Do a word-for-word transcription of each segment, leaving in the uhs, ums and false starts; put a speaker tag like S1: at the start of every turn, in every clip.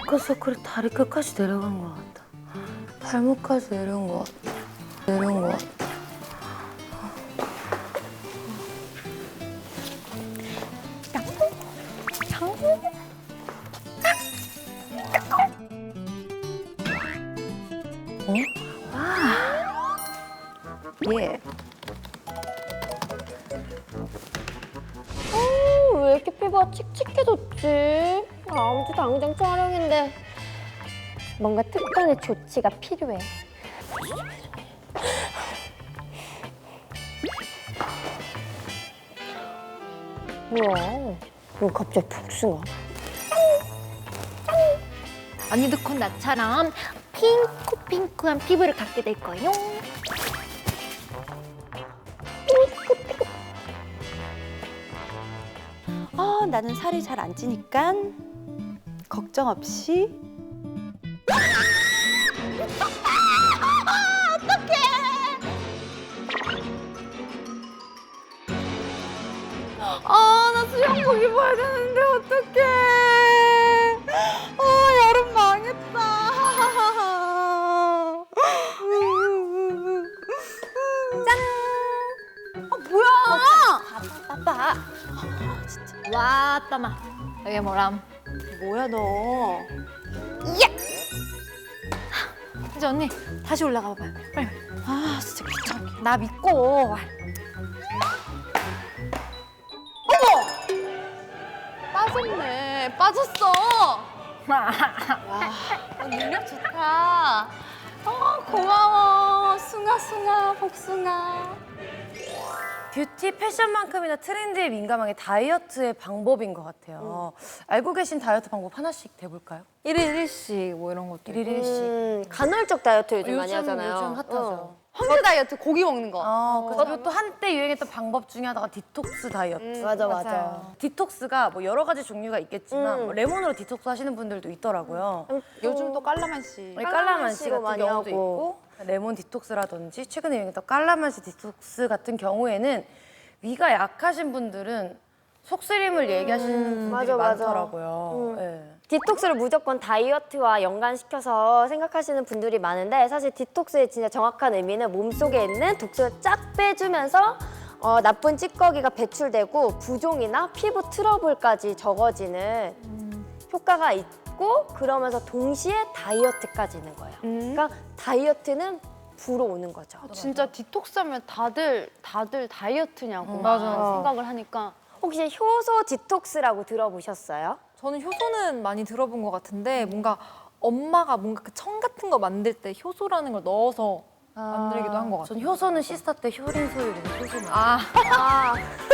S1: 다크서클이 다리 끝까지 내려간 것 같다. 발목까지 내려온 것 같다. 내려온 것 같다. 어? 아. 예.
S2: 어, 왜 이렇게 피부가 칙칙해졌지? 다음 주 당장 촬영인데 뭔가 특단의 조치가 필요해. 뭐야? 왜 갑자기 복숭아?
S3: 언니도 곧 나처럼 핑크핑크한 피부를 갖게 될 거예요.
S4: 아, 나는 살이 잘 안 찌니까 걱정 없이.
S3: 아, 나 수영복 입어야 되는데 어떡해. 아, 여름 망했다. 짠! 아, 뭐야?
S4: 빠빠.
S3: 와, 따마. 여기 뭐람?
S4: 뭐야 너?
S3: 이제 언니 다시 올라가 봐봐요. 빨리.
S4: 아, 진짜 귀찮게.
S3: 나 믿고.
S4: 빠졌네. 빠졌어.
S3: 와,
S4: 어, 능력 좋다. 어, 고마워. 숭아, 숭아, 복숭아.
S1: 뷰티 패션만큼이나 트렌드에 민감한 게 다이어트의 방법인 것 같아요. 알고 계신 다이어트 방법 하나씩 대볼까요?
S3: 일일 일식 뭐 이런 것도
S1: 일일 일식.
S2: 음, 간헐적 다이어트 요즘,
S1: 요즘,
S2: 많이 하잖아요.
S1: 요즘 핫하죠.
S2: 어.
S4: 황제 다이어트 고기 먹는 거.
S1: 아, 그리고 또 한때 유행했던 방법 중에 하나가 디톡스 다이어트.
S2: 맞아, 맞아.
S1: 디톡스가 뭐 여러 가지 종류가 있겠지만
S2: 음.
S1: 뭐 레몬으로 디톡스 하시는 분들도 있더라고요.
S4: 요즘 또 깔라만시.
S1: 깔라만시 같은
S2: 많이
S1: 경우도
S2: 하고.
S1: 있고 레몬 디톡스라든지 최근에 유행했던 깔라만시 디톡스 같은 경우에는 위가 약하신 분들은 속쓰림을 얘기하시는 분들이
S2: 맞아, 맞아.
S1: 많더라고요.
S2: 음.
S1: 네.
S2: 디톡스를 무조건 다이어트와 연관시켜서 생각하시는 분들이 많은데 사실 디톡스의 진짜 정확한 의미는 몸속에 있는 독소를 쫙 빼주면서 어, 나쁜 찌꺼기가 배출되고 부종이나 피부 트러블까지 적어지는 효과가 있고 그러면서 동시에 다이어트까지 있는 거예요. 그러니까 다이어트는 부로 오는 거죠.
S4: 진짜 디톡스 하면 다들 다들 다이어트냐고
S3: 음,
S4: 막
S3: 맞아.
S4: 생각을 하니까.
S2: 혹시 효소 디톡스라고 들어보셨어요?
S5: 저는 효소는 많이 들어본 것 같은데 뭔가 엄마가 뭔가 그 청 같은 거 만들 때 효소라는 걸 넣어서 만들기도 한 것 같아요.
S1: 전 효소는 시스타 때 효린 소유는 효소만.
S5: 아,
S2: 아,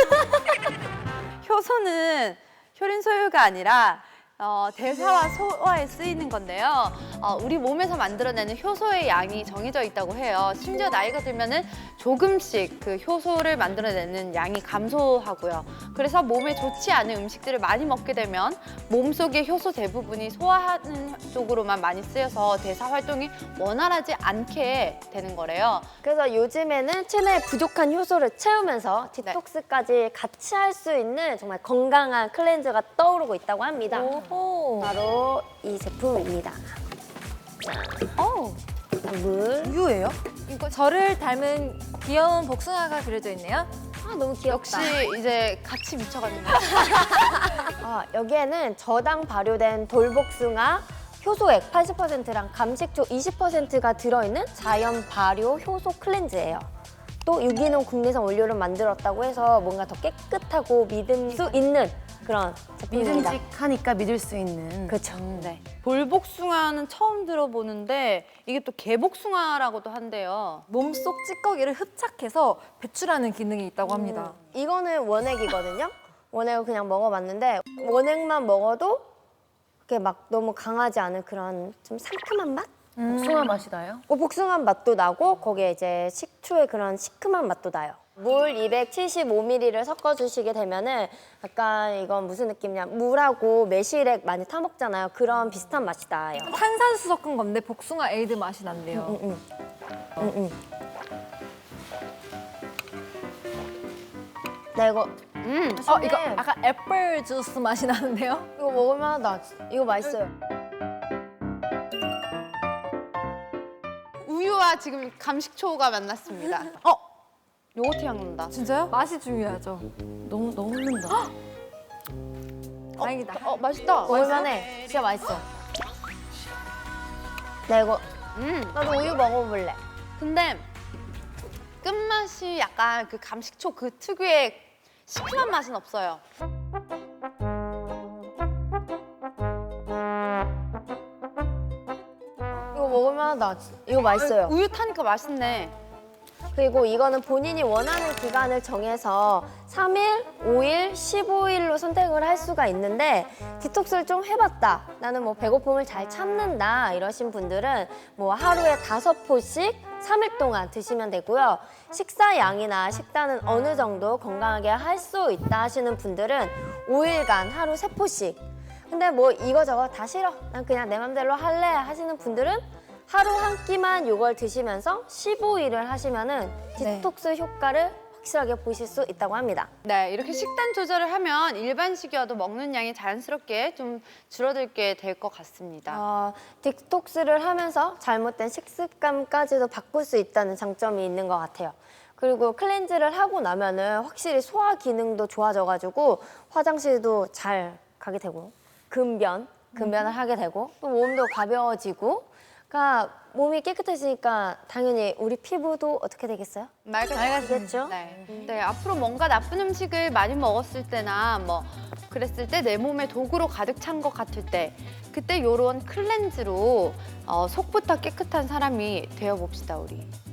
S4: 효소는 효린 소유가 아니라 어, 대사와 소화에 쓰이는 건데요. 어, 우리 몸에서 만들어내는 효소의 양이 정해져 있다고 해요. 심지어 나이가 들면은 조금씩 그 효소를 만들어내는 양이 감소하고요. 그래서 몸에 좋지 않은 음식들을 많이 먹게 되면 몸속의 효소 대부분이 소화하는 쪽으로만 많이 쓰여서 대사 활동이 원활하지 않게 되는 거래요.
S2: 그래서 요즘에는 체내에 부족한 효소를 채우면서 디톡스까지 같이 할 수 있는 정말 건강한 클렌저가 떠오르고 있다고 합니다.
S5: 오.
S2: 바로 이 제품입니다.
S4: 어.
S2: 물.
S1: 우유예요?
S5: 이거 저를 닮은 귀여운 복숭아가 그려져 있네요.
S2: 아, 너무 귀엽다.
S4: 역시 이제 같이 미쳐가는 거예요.
S2: 아, 여기에는 저당 발효된 돌복숭아 효소액 팔십 퍼센트랑 감식초 이십 퍼센트가 들어있는 자연 발효 효소 클렌즈예요. 또 유기농 국내산 원료를 만들었다고 해서 뭔가 더 깨끗하고 믿을 수 있는 그런 제품입니다.
S1: 믿음직하니까 믿을 수 있는.
S2: 그렇죠.
S4: 네. 돌복숭아는 처음 들어보는데 이게 또 개복숭아라고도 한대요.
S5: 몸속 찌꺼기를 흡착해서 배출하는 기능이 있다고 합니다.
S2: 이거는 원액이거든요. 원액을 그냥 먹어봤는데 원액만 먹어도 그렇게 막 너무 강하지 않은 그런 좀 상큼한 맛?
S1: 복숭아 맛이 나요?
S2: 어, 복숭아 맛도 나고 거기에 이제 식초의 그런 시큼한 맛도 나요. 물 이백칠십오 밀리리터를 섞어주시게 되면은 약간 이건 무슨 느낌이냐 물하고 매실액 많이 타 먹잖아요. 그런 비슷한 맛이 나요.
S5: 탄산수 섞은 건데 복숭아 에이드 맛이 난대요.
S2: 응, 응. 응, 응. 나 이거
S4: 음.
S5: 어, 이거 약간 애플 주스 맛이 나는데요?
S2: 이거 먹으면 나 이거 맛있어요.
S4: 요거트와 지금 감식초가 만났습니다. 어, 요거트 향 난다.
S5: 진짜요? 맛이 중요하죠.
S1: 너무 너무 흐른다.
S5: 다행이다.
S4: 어, 맛있다.
S2: 먹을만해. 진짜 맛있어. 나 이거
S4: 음,
S2: 나도 우유 먹어볼래.
S4: 근데 끝맛이 약간 그 감식초 그 특유의 시큼한 맛은 없어요.
S2: 이거 먹을만하다. 이거 맛있어요.
S4: 우유 타니까 맛있네.
S2: 그리고 이거는 본인이 원하는 기간을 정해서 삼 일, 오 일, 십오 일로 선택을 할 수가 있는데 디톡스를 좀 해봤다. 나는 뭐 배고픔을 잘 참는다. 이러신 분들은 뭐 하루에 다섯 포씩 삼 일 동안 드시면 되고요. 식사 양이나 식단은 어느 정도 건강하게 할 수 있다 하시는 분들은 오 일간 하루 세 포씩. 근데 뭐 이거저거 다 싫어. 난 그냥 내 맘대로 할래 하시는 분들은 하루 한 끼만 이걸 드시면서 십오 일을 하시면은 디톡스 효과를 확실하게 보실 수 있다고 합니다.
S4: 네, 이렇게 식단 조절을 하면 일반식이어도 먹는 양이 자연스럽게 좀 줄어들게 될 것 같습니다.
S2: 어, 디톡스를 하면서 잘못된 식습관까지도 바꿀 수 있다는 장점이 있는 것 같아요. 그리고 클렌즈를 하고 나면은 확실히 소화 기능도 좋아져가지고 화장실도 잘 가게 되고 금변, 금변을 하게 되고 또 몸도 가벼워지고 그러니까 몸이 깨끗해지니까 당연히 우리 피부도 어떻게 되겠어요?
S4: 맑아지겠죠? 네. 네, 앞으로 뭔가 나쁜 음식을 많이 먹었을 때나 뭐 그랬을 때 내 몸에 독으로 가득 찬 것 같을 때 그때 요런 클렌즈로 어, 속부터 깨끗한 사람이 되어봅시다, 우리.